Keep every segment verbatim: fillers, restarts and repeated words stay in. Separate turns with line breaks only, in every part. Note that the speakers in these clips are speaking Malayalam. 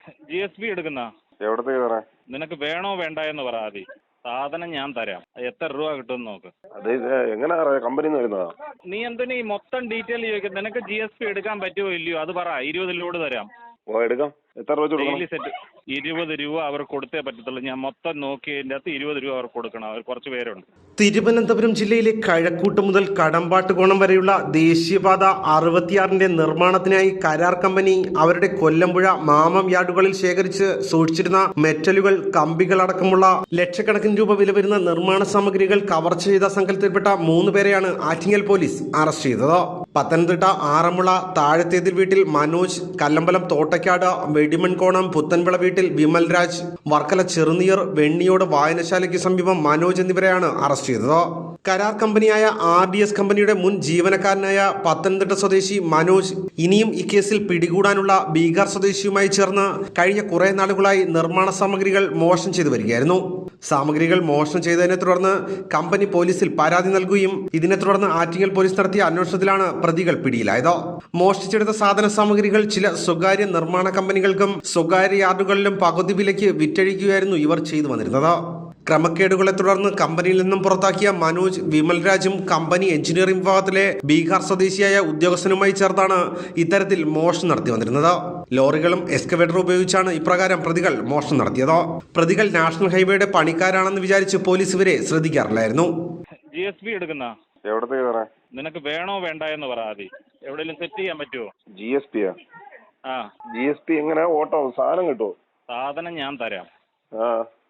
ജി എസ് ബി എടുക്കുന്ന
എവിടത്തേക്ക് തരാം?
നിനക്ക് വേണോ വേണ്ട എന്ന് പറ ആദ്യം. സാധനം ഞാൻ തരാം. എത്ര രൂപ കിട്ടുമെന്ന് നോക്ക്.
അത് എങ്ങനെ കമ്പനി വരുന്നതാ?
നീ എന്തിനാ ഈ മൊത്തം ഡീറ്റെയിൽ ചോദിക്കും? നിനക്ക് ജി എസ് ബി എടുക്കാൻ പറ്റുമോ ഇല്ലയോ അത് പറ. ഇരുപത് ലോഡ് തരാം.
ഓ എടുക്കാം. എത്ര രൂപ
ഡെയിലി സെറ്റ് ഇരുപത് രൂപ അവർ കൊടുത്തേ പറ്റത്തുള്ളൂ. ഞാൻ മൊത്തം നോക്കിയതിൻ്റെ അകത്ത് ഇരുപത് രൂപ അവർ കൊടുക്കണം. അവർ കുറച്ച് പേരുണ്ട്.
തിരുവനന്തപുരം ജില്ലയിലെ കഴക്കൂട്ട് മുതൽ കടമ്പാട്ടുകോണം വരെയുള്ള ദേശീയപാത അറുപത്തിയാറിന്റെ നിർമ്മാണത്തിനായി കരാർ കമ്പനി അവരുടെ കൊല്ലമ്പുഴ മാമം യാർഡുകളിൽ ശേഖരിച്ച് സൂക്ഷിച്ചിരുന്ന മെറ്റലുകൾ, കമ്പികൾ അടക്കമുള്ള ലക്ഷക്കണക്കിന് രൂപ വില വരുന്ന നിർമ്മാണ സാമഗ്രികൾ കവർച്ച ചെയ്ത സംഘത്തിൽപ്പെട്ട മൂന്ന് പേരെയാണ് ആറ്റിങ്ങൽ പോലീസ് അറസ്റ്റ് ചെയ്തത്. പത്തനംതിട്ട ആറന്മുള താഴത്തേതിൽ വീട്ടിൽ മനോജ്, കല്ലമ്പലം തോട്ടയ്ക്കാട് വെടിമൺകോണം പുത്തൻവിള വീട്ടിൽ വിമൽ രാജ്, വർക്കല ചെറുനീർ വെണ്ണിയോട് വായനശാലയ്ക്ക് സമീപം മനോജ് എന്നിവരെയാണ് അറസ്റ്റ് ചെയ്തത്. കരാർ കമ്പനിയായ ആർ ഡി എസ് കമ്പനിയുടെ മുൻ ജീവനക്കാരനായ പത്തനംതിട്ട സ്വദേശി മനോജ് ഇനിയും ഈ കേസിൽ പിടികൂടാനുള്ള ബീഹാർ സ്വദേശിയുമായി ചേർന്ന് കഴിഞ്ഞ കുറെ നാളുകളായി നിർമ്മാണ സാമഗ്രികൾ മോഷണം ചെയ്തു വരികയായിരുന്നു. സാമഗ്രികൾ മോഷണം ചെയ്തതിനെ തുടർന്ന് കമ്പനി പോലീസിൽ പരാതി നൽകുകയും ഇതിനെ തുടർന്ന് ആറ്റിങ്ങൽ പോലീസ് നടത്തിയ അന്വേഷണത്തിലാണ് പ്രതികൾ പിടിയിലായത്. മോഷ്ടിച്ചെടുത്ത സാധന സാമഗ്രികൾ ചില സ്വകാര്യ നിർമ്മാണ കമ്പനികൾക്കും സ്വകാര്യ യാർഡുകളിലും പകുതി വിലയ്ക്ക് വിറ്റഴിക്കുകയായിരുന്നു ഇവർ ചെയ്തു വന്നിരുന്നത്. ക്രമക്കേടുകളെ തുടർന്ന് കമ്പനിയിൽ നിന്നും പുറത്താക്കിയ മനോജ്, വിമൽരാജും കമ്പനി എഞ്ചിനീയറിംഗ് വിഭാഗത്തിലെ ബീഹാർ സ്വദേശിയായ ഉദ്യോഗസ്ഥനുമായി ചേർത്താണ് ഇത്തരത്തിൽ മോഷണം നടത്തി വന്നിരുന്നത്. ലോറികളും എക്സ്കവേറ്ററും ഉപയോഗിച്ചാണ് ഇപ്രകാരം പ്രതികൾ മോഷണം നടത്തിയത്. പ്രതികൾ നാഷണൽ ഹൈവേയുടെ പണിക്കാരാണെന്ന് വിചാരിച്ച് പോലീസ് ഇവരെ ശ്രദ്ധിക്കാറില്ലായിരുന്നു.
ജി എസ് ബി എടുക്കുന്ന
എവിടത്തേക്ക് തരാം?
നിനക്ക് വേണോ വേണ്ട എന്ന് പറ ആദ്യം. എവിടെയെങ്കിലും സെറ്റ് ചെയ്യാൻ പറ്റുമോ?
ജി എസ് പിയാ?
ആ
ജി എസ് പി എങ്ങനെ ഓട്ടോ സാധനം കിട്ടുമോ?
സാധനം ഞാൻ തരാം.
ആ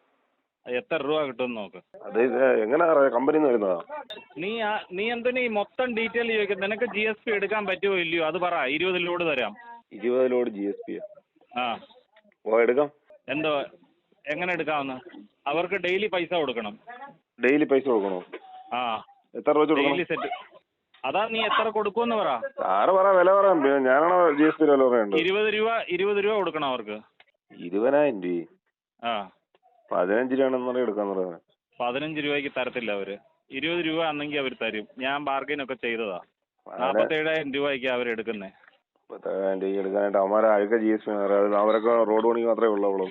എത്ര രൂപ കിട്ടുമെന്ന് നോക്ക്.
അത് എങ്ങനെ കമ്പനി വരുന്നതാ?
നീ നീ എന്തിനാ ഈ മൊത്തം ഡീറ്റെയിൽ ചോദിക്കും? നിനക്ക് ജി എസ് പി എടുക്കാൻ പറ്റുമോ ഇല്ലയോ അത് പറ. ഇരുപത് ലോഡ് തരാം.
ഇരുപത് ലോഡ് ജി എസ് പിയാ?
ആ
ഓ എടുക്കാം.
എന്തോ എങ്ങനെ എടുക്കാമെന്ന്? അവർക്ക് ഡെയിലി പൈസ കൊടുക്കണം.
ഡെയിലി പൈസ കൊടുക്കണോ?
ആ
എത്ര രൂപ
ഡെയിലി സെറ്റ്. അതാ നീ എത്ര കൊടുക്കുമെന്ന് പറ.
ആറ് പറ വില പറയാം. ഞാനാണോ ജി എസ് പി വില പറയണ്ടത്?
ഇരുപത് രൂപ ഇരുപത് രൂപ കൊടുക്കണം അവർക്ക്.
ഇരുപതിനായിരം രൂപ? ആ പതിനഞ്ച് രൂപയാണെന്ന് എടുക്കാൻ പറയുന്നത്.
പതിനഞ്ച് രൂപയ്ക്ക് തരത്തില്ല അവര്. ഇരുപത് രൂപ ആണെങ്കിൽ അവർ തരും. ഞാൻ ബാർഗൈൻ ഒക്കെ ചെയ്തതാ. നാപ്പത്തേഴായിരം രൂപയ്ക്ക് അവർ എടുക്കുന്നേ.
മുപ്പത്തേഴായിരം രൂപ എടുക്കാനായിട്ട് അവന്മാരെ അഴുക്ക ജി എസ് പി അവരൊക്കെ റോഡ് പണി മാത്രമേ ഉള്ളൂ.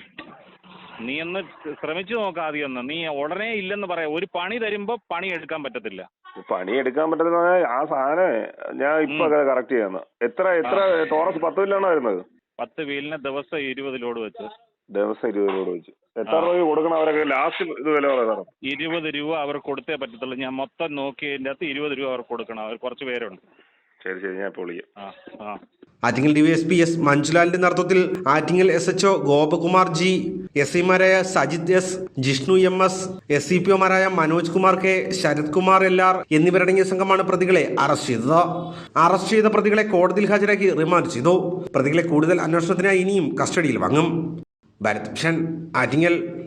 നീ ഒന്ന് ശ്രമിച്ചു നോക്കാം ആദ്യം ഒന്ന്. നീ ഉടനെ ഇല്ലെന്ന് പറയാം. ഒരു പണി തരുമ്പോ പണി എടുക്കാൻ പറ്റത്തില്ല.
പണി എടുക്കാൻ പറ്റത്തില്ല. ആ സാധനം ഞാൻ ഇപ്പൊ കറക്റ്റ് ചെയ്യാന്ന്. എത്ര എത്ര ടോറസ് പത്ത് വീലാണോ വരുന്നത്?
പത്ത് വീലിന് ദിവസം ഇരുപത് ലോഡ് വെച്ച്.
ദിവസം ഇരുപത് ലോഡ് വെച്ച് എത്ര രൂപ കൊടുക്കണം അവരൊക്കെ? ലാസ്റ്റ് ഇത് വില പറയാം.
ഇരുപത് രൂപ അവർ കൊടുത്തേ പറ്റത്തുള്ളൂ. ഞാൻ മൊത്തം നോക്കിയതിന്റെ അകത്ത് ഇരുപത് രൂപ അവർ കൊടുക്കണം. അവർ കുറച്ച് പേരുണ്ട്.
ശരി ശരി ഞാൻ ഇപ്പോൾ വിളിക്കാം.
ആ ആ
Attingal D Y S P S മഞ്ജുലാലിന്റെ നേതൃത്വത്തിൽ Attingal S H O Gopakumar G, S ഐമാരായ Sajith S, Jishnu M S, S C P ഒമാരായ Manoj Kumar K, Sarath Kumar L R എന്നിവരടങ്ങിയ സംഘമാണ് പ്രതികളെ അറസ്റ്റ് ചെയ്തത്. അറസ്റ്റ് ചെയ്ത പ്രതികളെ കോടതിയിൽ ഹാജരാക്കി റിമാൻഡ് ചെയ്തു. പ്രതികളെ കൂടുതൽ അന്വേഷണത്തിനായി ഇനിയും കസ്റ്റഡിയിൽ വാങ്ങും. ഭാരത് ഭൂഷൺ, ആറ്റിങ്ങൽ.